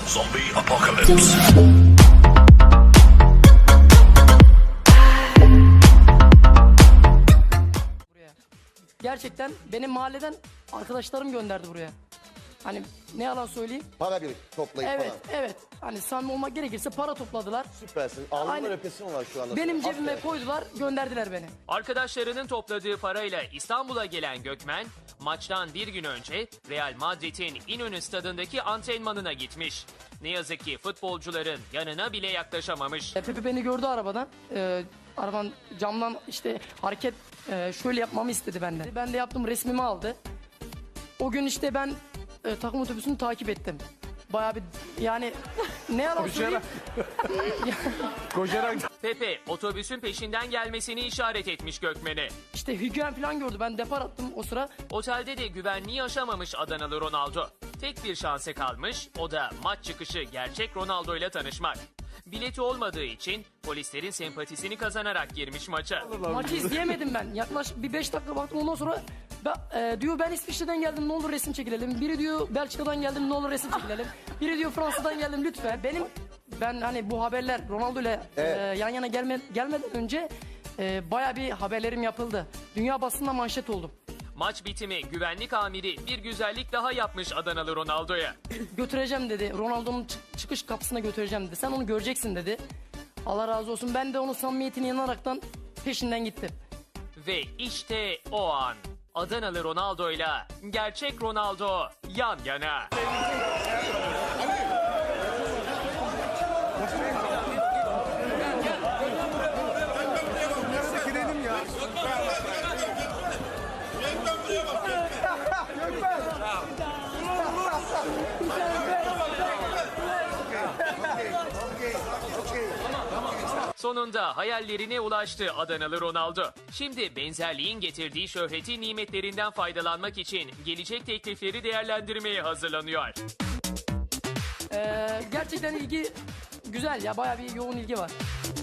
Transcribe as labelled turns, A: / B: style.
A: Zombie apocalypse.
B: Buraya. Gerçekten benim mahalleden arkadaşlarım gönderdi buraya. Hani ne yalan söyleyeyim.
C: Para birikti toplayıp
B: Evet,
C: falan.
B: evet. Hani samimi olmak gerekirse para topladılar.
C: Süpersin. Alnımda
B: Aynen.
C: öpesim var şu anda.
B: Benim cebime
C: Aferin.
B: koydular, gönderdiler beni.
D: Arkadaşlarının topladığı parayla İstanbul'a gelen Gökmen, maçtan bir gün önce Real Madrid'in İnönü stadındaki antrenmanına gitmiş. Ne yazık ki futbolcuların yanına bile yaklaşamamış.
B: Pepe beni gördü arabadan. Arabanın camdan işte hareket şöyle yapmamı istedi benden. Ben de yaptım, resmimi aldı. O gün işte ben takım otobüsünü takip ettim. Bayağı bir yani ne yalan söyleyeyim.
D: Pepe otobüsün peşinden gelmesini işaret etmiş Gökmen'e.
B: İşte hügyen falan gördü. Ben depar attım o sıra.
D: Otelde de güvenliği aşamamış Adanalı Ronaldo. Tek bir şansı kalmış, o da maç çıkışı gerçek Ronaldo ile tanışmak. Bileti olmadığı için polislerin sempatisini kazanarak girmiş maça.
B: Maçı izleyemedim ben. Yaklaşık bir 5 dakika baktım, ondan sonra diyor ben İsviçre'den geldim, ne olur resim çekilelim. Biri diyor Belçika'dan geldim, ne olur resim çekilelim. Biri diyor Fransa'dan geldim, lütfen. Ben hani bu haberler Ronaldo ile yan yana gelmeden önce baya bir haberlerim yapıldı. Dünya basında manşet oldum.
D: Maç bitimi güvenlik amiri bir güzellik daha yapmış Adanalı Ronaldo'ya.
B: Götüreceğim dedi. Ronaldo'nun çıkış kapısına götüreceğim dedi. Sen onu göreceksin dedi. Allah razı olsun. Ben de onun samimiyetine inanaraktan peşinden gittim.
D: Ve işte o an Adanalı Ronaldo'yla gerçek Ronaldo yan yana. Sonunda hayallerine ulaştı Adanalı Ronaldo. Şimdi benzerliğin getirdiği şöhreti nimetlerinden faydalanmak için gelecek teklifleri değerlendirmeye hazırlanıyor.
B: Gerçekten ilgi güzel ya. Bayağı bir yoğun ilgi var.